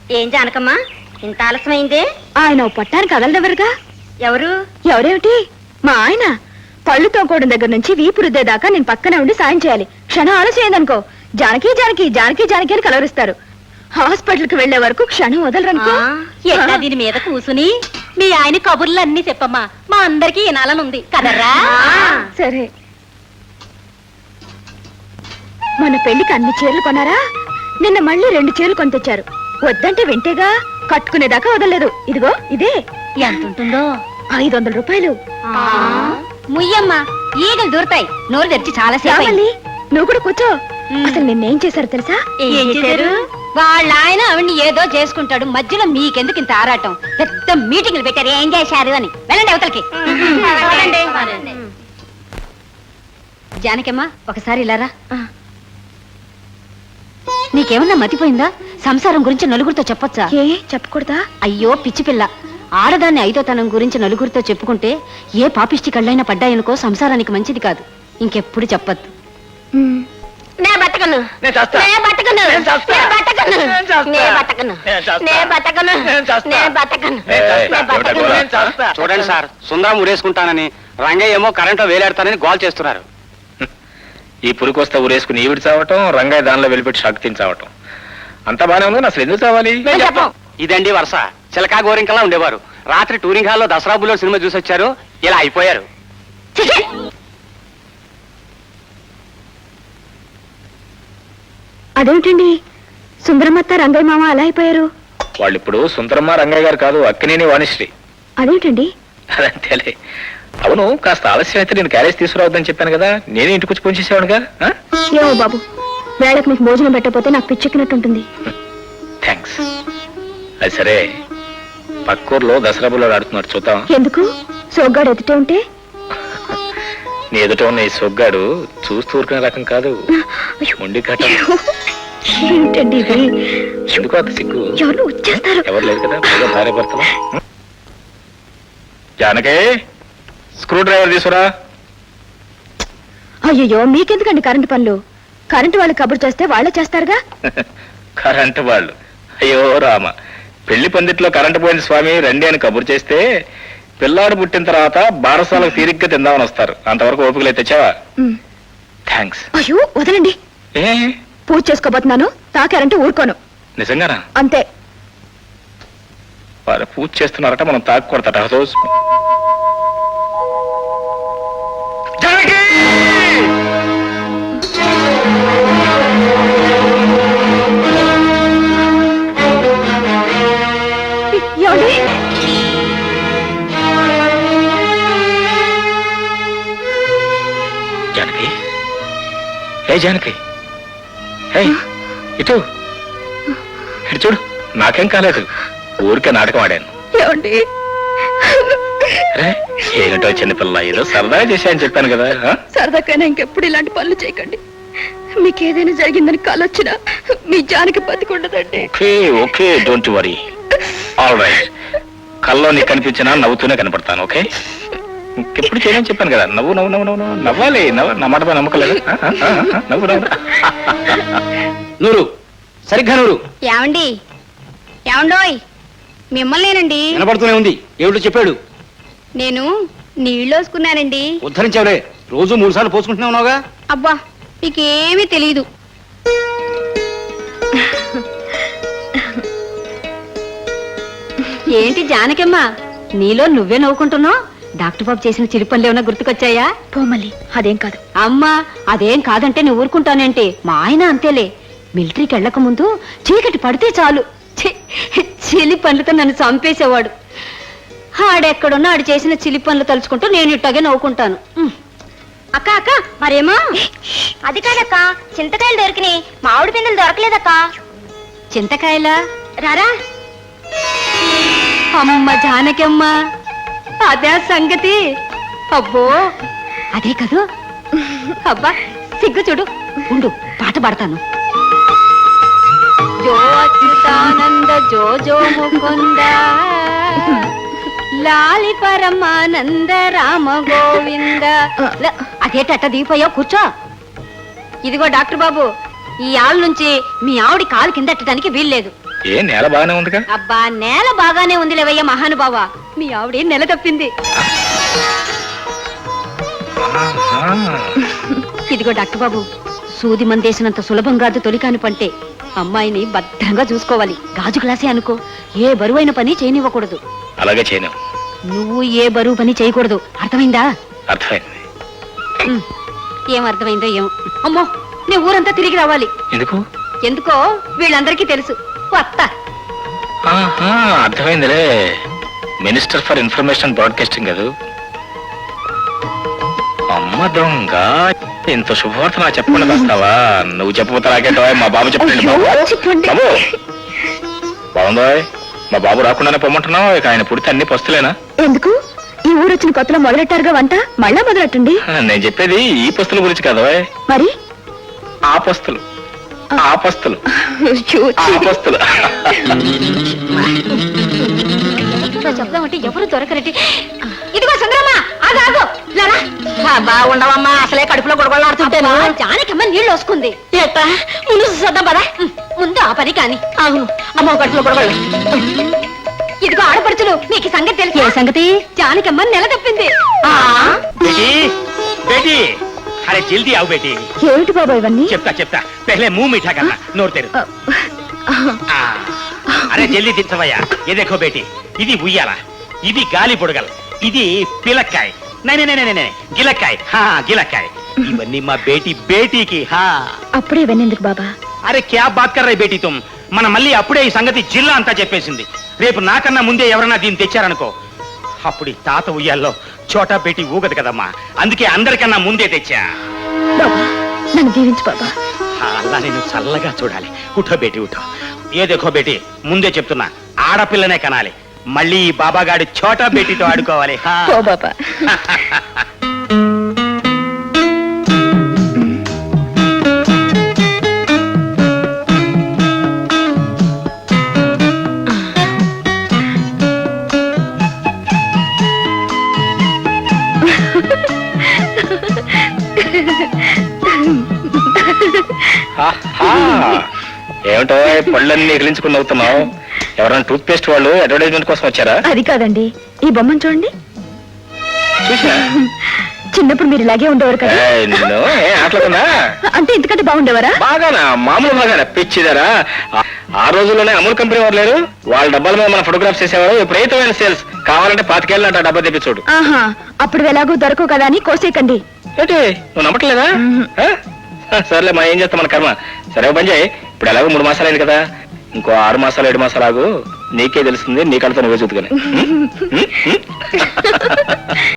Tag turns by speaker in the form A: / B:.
A: ఏం జానకమ్మా ఇంత ఆలస్యమైందే?
B: ఆయన పట్టానికి కదలదెవరుగా.
A: ఎవరు?
B: ఎవరేమిటి? మా ఆయన. పళ్ళు తోకోవడం దగ్గర నుంచి వీపు రుద్దేదాకా నేను పక్కనే ఉండి సాయం చేయాలి. క్షణం ఆలస్యమైందనుకో జానకి జానకి జానకి జానకి అని కలవరిస్తారు. హాస్పిటల్కి వెళ్లే వరకు క్షణం వదలరనుకో.
A: ఎట్లా దీని మీద కూసుని మీ ఆయన కబుర్లు అన్ని చెప్పమ్మా, మా అందరికి వినాలనుంది కదరా.
B: సరే. మన పెళ్లికి అన్ని చీరలు కొన్నారా? నిన్న మళ్ళీ 2 చీరలు కొని తెచ్చారు. వద్దంటే వింటేగా, కట్టుకునేదాకా వదలలేదు. ఇదిగో ఇదే.
A: ఎంత ఉంటుందో?
B: 500 రూపాయలు.
A: ముయ్యమ్మా, ఈగలు దూరతాయి. నోరు తెరిచి చాలా సేపు.
B: నువ్వు కూడా కూర్చో. అసలు నిన్నేం చేశారు తెలుసా?
A: ఏం చేశారు? వాళ్ళ ఆయన ఆవిడ్ని ఏదో చేసుకుంటాడు, మధ్యలో మీకెందుకు ఇంత ఆరాటం? పెద్ద మీటింగ్లు పెట్టారు, ఏం చేశారు అని. వెళ్ళండి అవతలకి. జానకమ్మా, ఒకసారి ఇలారా. నీకేమన్నా మతిపోయిందా? సంసారం గురించి నలుగురితో చెప్పొచ్చా?
B: ఏ చెప్పకూడదా?
A: అయ్యో పిచ్చి పిల్ల, ఆడదాన్ని ఐదోతనం గురించి నలుగురితో చెప్పుకుంటే ఏ పాపిష్టి కళ్ళైనా పడ్డాయనుకో సంసారానికి మంచిది కాదు. ఇంకెప్పుడు చెప్పద్దు.
C: చూడండి సార్, సుందరం ఉరేసుకుంటానని, రంగయ్య ఏమో కరెంటు వేలాడతానని గోల్ చేస్తున్నారు.
D: ఈ పురికొస్తా ఊరేసుకుని ఈవిడి చావటం, రంగయ్య దానిలో వెళ్ళిపెట్టి శక్తిని చావటం అంతా బానే ఉంది. అసలు ఎందుకు చావాలి?
C: ఇదండి వరుస. చిలకా గోరింకలా ఉండేవారు. రాత్రి టూరింగ్ హాల్లో దసరా బుల్లో సినిమా చూసి వచ్చారు, ఇలా అయిపోయారు.
B: అదేమిటండి, సుందరమత్త రంగయ్య మామ అలా అయిపోయారు?
D: వాళ్ళు ఇప్పుడు సుందరమ్మ రంగయ్య గారు కాదు, అక్కినేని వాణిశ్రీ.
B: అదేమిటండి?
D: అదంతేలే. అవును, కాస్త ఆలస్యం అయితే నేను క్యారేజ్ తీసుకురావద్దని చెప్పాను కదా, నేనే ఇంటికి వచ్చి పోంచేసేవాడుగా.
B: ఏమో బాబు, వేళకు మీకు భోజనం పెట్టకపోతే నాకు పిచ్చెక్కినట్టుంటుంది.
D: థ్యాంక్స్. అది సరే, పక్కూర్లో దసరా బుల్లో ఆడుతున్నారు, చూద్దాం.
B: ఎందుకు? సోగ్గాడు ఎదుటే ఉంటే?
D: నీ ఎదుట ఉన్న ఈ సొగ్గాడు చూస్తూ ఊరుకునే రకం కాదు, మొండి కట్ట.
B: ఏంటండి ఇది?
D: ఎందుకు అంత సిగ్గు?
B: ఎవరు వచ్చేస్తారు?
D: ఎవరు లేదు కదా, బాగా భార్య భర్తలు. జానకే, స్క్రూ డ్రైవర్ తీసుకురా.
B: అయ్యో, మీకెందుకండి కరెంటు పనులు? కరెంటు వాళ్ళు కబురు చేస్తే వాళ్ళే చేస్తారుగా.
D: కరెంటు వాళ్ళు? అయ్యో రామ, పెళ్లి పందిట్లో కరెంటు పోయింది స్వామి రండి అని కబురు చేస్తే పిల్లాడు పుట్టిన తర్వాత బారసాలకు తీరిగ్గా తిందామని వస్తారు. అంతవరకు ఓపికలే తెచ్చావా? థ్యాంక్స్.
B: అయ్యో వదలండి.
D: ఏ
B: పూజ చేసుకోబోతున్నాను, తాకారంటే ఊరుకోను.
D: నిజంగానా?
B: అంతే.
D: వాళ్ళు పూజ చేస్తున్నారట, మనం తాకూడదట. రోజు జానకి, ఏ జానకి, ఇటు ఇటు చూడు. నాకేం కాలేదు, ఊరికే నాటకం ఆడాను. ఏమిటో చిన్నపిల్ల, ఏదో సరదాగా చేశాయని చెప్పాను కదా.
B: సరదాకైనా ఇంకెప్పుడు ఇలాంటి పనులు చేయకండి. మీకేదైనా జరిగిందని కాలొచ్చినా మీ జానకి బతికుండదండి.
D: Okay okay, don't worry. All right. కల్లో నీకు కనిపించినా నవ్వుతూనే కనపడతాను. ఓకే, ఇంకెప్పుడు చేయని చెప్పాను కదా. నవ్వు నవ్వు నవ్వు నవ్వు నవ్వాలి. నా మాట పై నమ్మకలేదు. నవ్వు నవ్వు.
C: నూరు, సరిగ్గా నూరు.
A: ఏమండి? ఏమండోయ్, మిమ్మల్నేనండి.
C: వినపడుతూనే ఉంది. ఏమిటో చెప్పాడు?
A: నేను నీళ్ళు వేసుకున్నానండి.
C: ఉద్ధరించావులే, రోజు 3 సార్లు పోసుకుంటూనే ఉన్నావుగా.
A: అబ్బా, మీకేమీ తెలీదు. ఏంటి జానకమ్మ, నీలో నువ్వే నవ్వుకుంటున్నావు? డాక్టర్ బాబు చేసిన చిరు పనులు ఏమైనా గుర్తుకొచ్చాయా?
B: పోమల్లి, అదేం కాదు.
A: అమ్మా, అదేం కాదంటే నువ్వు ఊరుకుంటానంటే. మా ఆయన అంతేలే, మిలిటరీకి వెళ్ళక ముందు చీకటి పడితే చాలు చిలి పనులతో నన్ను చంపేసేవాడు. ఆడెక్కడున్నా ఆడు చేసిన చిలి పనులు తలుచుకుంటూ నేను ఇట్టాగే నవ్వుకుంటాను. అక్క అక్క, మరేమో అది కాదక్క, చింతకాయలు దొరికినాయి, మామిడి పిందెలు దొరకలేదక్క. చింతకాయలా? రారా. అమ్మ జానకమ్మ, అదే సంగతి. అబ్బో, అదే కదూ. అబ్బా, సిగ్గు చూడు. ఉండు, పాట పాడతాను. జో అచ్యుతానంద జో జో ముకుంద లాలి పరమానంద రామ గోవింద. అదేటట్ట దిగిపోయావు, కూర్చో. ఇదిగో డాక్టర్ బాబు, ఈ ఆళ్ళ నుంచి మీ ఆవిడి కాలు కిందట్టడానికి వీల్లేదు.
D: ఏ నేల బాగానే ఉందిగా?
A: అబ్బా నేల బాగానే ఉంది లేవయ్య మహానుభావ, మీ ఆవిడే నెల తప్పింది.
D: ఆహా.
A: ఇదిగో డాక్టర్ బాబు, సూది మందేసినంత సులభం కాదు తొలికాని పంటే. అమ్మాయిని భద్రంగా చూసుకోవాలి. గాజు గ్లాసే అనుకో, ఏ బరువైన పని చేయనివ్వకూడదు.
D: అలాగే చేయను.
A: నువ్వు ఏ బరువు పని చేయకూడదు, అర్థమైందా?
D: అర్థమైంది.
A: ఉమ్, ఏం అర్థమైందో ఏమో. అమ్మో, నీ ఊరంతా తిరిగి రావాలి.
D: ఎందుకు?
A: ఎందుకో వీళ్ళందరికీ తెలుసు. వస్తా.
D: ఆహా, అర్థమైందిలే. మినిస్టర్ ఫర్ ఇన్ఫర్మేషన్ బ్రాడ్కాస్టింగ్ కదా. అమ్మ దొంగ, ఇంత శుభవార్త నాకు చెప్పకుండా వస్తావా? నువ్వు చెప్పబోతా నాకేంటో, మా బాబు చెప్పండి. బాబు
B: చెప్పండి.
D: బాబు బాగుందో? మా బాబు రాకుండానే పొమ్మంటున్నావు. ఇక ఆయన పుడితే అన్ని పస్తులేనా?
B: ఎందుకు? ఈ ఊరు వచ్చిన కొత్తలో మొదలెట్టారుగా వంట, మళ్ళా మొదలెట్టండి.
D: నేను చెప్పేది ఈ పస్తుల గురించి కదా.
B: మరి
D: ఆ పస్తులు, ఆ పస్తులు, ఆ పస్తులు.
A: చెప్దామంటే ఎవరు దొరకరటి. ఇదిగో సుందరమ్మా, ఆగు.
B: ఉండవమ్మా, అసలే కడుపులో గొడవలాడుతుంటాను.
A: జానకమ్మ నీళ్ళు వస్తుంది.
B: ఎట్టా ముందు చూద్దాం పదా.
A: ముందు ఆ పని కాని.
B: అవును, అమ్మ కడుపులో గొడవలు.
A: ఇదిగో ఆడపడుచులు, మీకు ఈ సంగతి తెలుసు?
B: ఏ సంగతి?
A: జానకమ్మ నెల తప్పింది.
C: बेटी बेटी अरे जल्दी आओ बेटी.
B: ఏమిటి బాబా ఇవన్నీ?
C: చెప్తా చెప్తా पहले मुंह मीठा करना नोर तेरे. అరే జల్దీ దించవయ్యా. ఏ దేఖో బేటీ, ఇది ఉయ్యాల, ఇది గాలి పొడగల్, ఇది పిలక్కాయ్, గిలక్కాయ్, గిలక్కాయ్. ఇవన్నీ మా బేటీకి.
B: అప్పుడే ఇవన్నీ ఎందుకు బాబా?
C: అరే క్యా బాత్ కర్ రహే బేటీ తుమ్. మన మళ్ళీ అప్పుడే ఈ సంగతి జిల్లా అంతా చెప్పేసింది. రేపు నాకన్నా ముందే ఎవరన్నా దీన్ని తెచ్చారనుకో, అప్పుడు ఈ తాత ఉయ్యాల్లో చోటా బేటీ ఊగదు కదమ్మా. అందుకే అందరికన్నా ముందే తెచ్చా.
B: బాబా నన్ను దీవించు బాబా.
C: అలా నేను చల్లగా చూడాలి. ఉఠో బేటీ ఉఠో. ఏ దేఖో బేటీ, ముందే చెప్తున్నా, ఆడపిల్లనే కనాలి. మళ్ళీ ఈ బాబాగాడి చోటా బేటీతో ఆడుకోవాలి.
B: ఓ బాబా.
D: ఏమిటో పళ్ళన్నీ ఎగిలించుకుని అవుతున్నావు? ఎవరైనా టూత్ పేస్ట్ వాళ్ళు అడ్వర్టైజ్మెంట్ కోసం వచ్చారా?
B: అది కాదండి, ఈ బొమ్మను చూడండి.
D: చూసా?
B: చిన్నప్పుడు మీరు ఇలాగే ఉండేవారు కదా.
D: నిన్ను ఆటలుకున్నా
B: అంటే ఇంతకంటే బాగుండేవారా?
D: బాగానా, మామూలు బాగానా, పిచ్చిదారా. ఆ రోజుల్లోనే అమూల్ కంపెనీ వారు లేరు, వాళ్ళ డబ్బాల మీద మన ఫోటోగ్రాఫ్స్ చేసేవారు. విపరీతమైన సేల్స్. కావాలంటే 5 ఏళ్ళ డబ్బా తెప్పి చూడు.
B: ఆహా, అప్పుడు ఎలాగో దొరకవు కదా అని కోసేకండి.
D: ఏంటి నువ్వు నమ్మట్లేదా? సర్లే, మా ఏం చేస్తాం, మన కర్మ. సరే పని చేయి, ఇప్పుడు ఎలాగో 3 మాసాలు అయింది కదా, ఇంకో 6 మాసాలు 7 మాసాలు ఆగు, నీకే తెలుస్తుంది, నీ కళ్ళతో నువ్వే చూతుకొని.